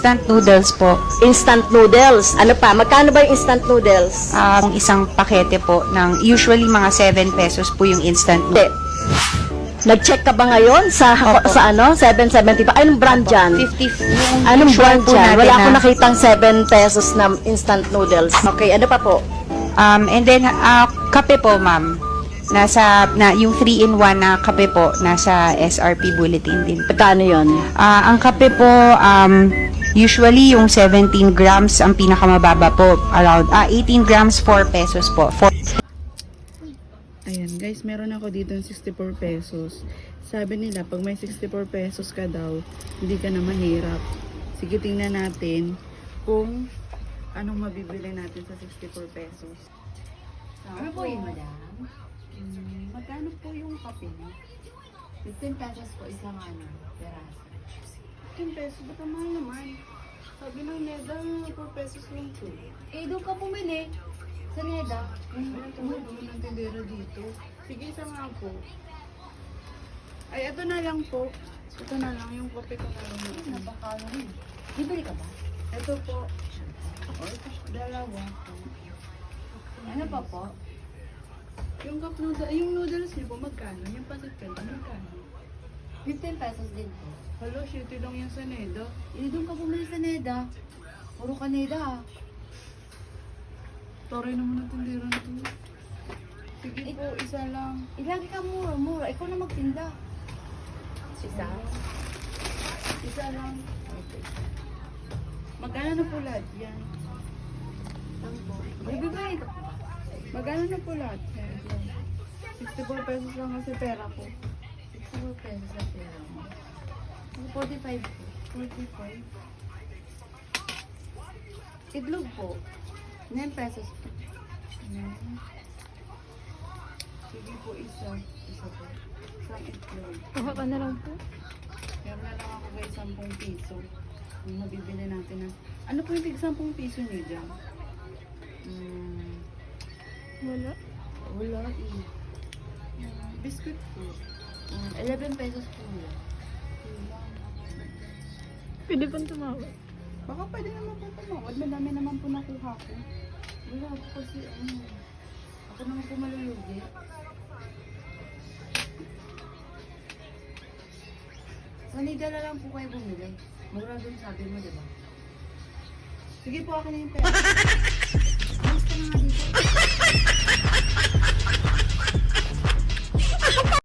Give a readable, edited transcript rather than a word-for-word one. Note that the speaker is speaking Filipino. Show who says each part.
Speaker 1: instant noodles po.
Speaker 2: Instant noodles. Ano pa? Magkano ba yung instant noodles?
Speaker 1: Ang isang pakete po ng usually mga 7 pesos po yung instant
Speaker 2: Hindi.
Speaker 1: noodles.
Speaker 2: Nag-check ka ba ngayon sa
Speaker 1: Opo.
Speaker 2: sa ano? 7.75. Anong brand dyan?
Speaker 1: 50 yung
Speaker 2: Anong
Speaker 1: usual
Speaker 2: brand
Speaker 1: po
Speaker 2: dyan?
Speaker 1: natin
Speaker 2: Wala
Speaker 1: na-
Speaker 2: akong nakitang 7 pesos na instant noodles. Okay, ano pa po?
Speaker 1: And then, kape po, ma'am. Yung 3-in-1 na kape po, nasa SRP bulletin din.
Speaker 2: Magkano yun?
Speaker 1: Ang kape po, usually yung 17 grams ang pinakamababa po. Around 18 grams, 4 pesos po.
Speaker 3: Ayan guys, meron ako dito ng 64 pesos. Sabi nila, pag may 64 pesos ka daw, hindi ka na mahirap. Sige, tingnan natin kung anong mabibili natin sa 64 pesos.
Speaker 4: Ano po yun, madam?
Speaker 3: Magkano po yung kape niyo?
Speaker 4: 15 pesos po isang peraso.
Speaker 3: 10 pesos, ba't ang mahal naman? Sabi ng Neda, 4 pesos lang po.
Speaker 4: Eh, doon ka bumili. Sa Neda.
Speaker 3: Tumulong ng tindera dito. Sige, isa nga po. Ay, ito na lang po. Ito na lang, yung kape ko na lang.
Speaker 4: Napakalo rin. Bibili ka ba?
Speaker 3: Ito po. Dalawa po.
Speaker 4: Ano pa po?
Speaker 3: Yung cup noodles, yung noodles niyo po, magkano? Yung pasit canton, magkano?
Speaker 4: 15 pesos din po.
Speaker 3: Hello, shitty lang yung sa Neda.
Speaker 4: Eh, doon ka bumili sa Neda. Puro ka Neda.
Speaker 3: Toray naman ang tindera nito. Sige po, isa lang.
Speaker 4: Ilagi ka mura-mura. Ikaw na magtinda.
Speaker 3: Isa? Isa lang. Magkano na po lahat yan?
Speaker 4: Lang po. Bibili ka.
Speaker 3: Magkano na po lahat yan? 64 pesos lang kasi pera ko.
Speaker 4: 64 pesos sa pera mo. 45 po.
Speaker 3: 45.
Speaker 4: Itlog po. 9 pesos po.
Speaker 3: Sige po, isa.
Speaker 4: Isa po.
Speaker 3: Isang itlog.
Speaker 2: Kuha ka na lang po.
Speaker 3: Meron na lang ako guys 10 piso. Yung mabibili natin na. Ano po yung tig 10 piso niyo dyan?
Speaker 2: Wala.
Speaker 4: Wala eh.
Speaker 3: Biscuit po.
Speaker 4: 11 pesos po yun.
Speaker 2: Pwede pang tumawag.
Speaker 3: Baka pwede naman po tumawad. Madami naman po nakuha ko.
Speaker 4: Wala po kasi ako naman po malulugi. Sa Nida na lang po kayo bumili. Mura dun sabi mo, di ba?
Speaker 3: Sige po, akin na yung pera.
Speaker 4: Basta na nga dito.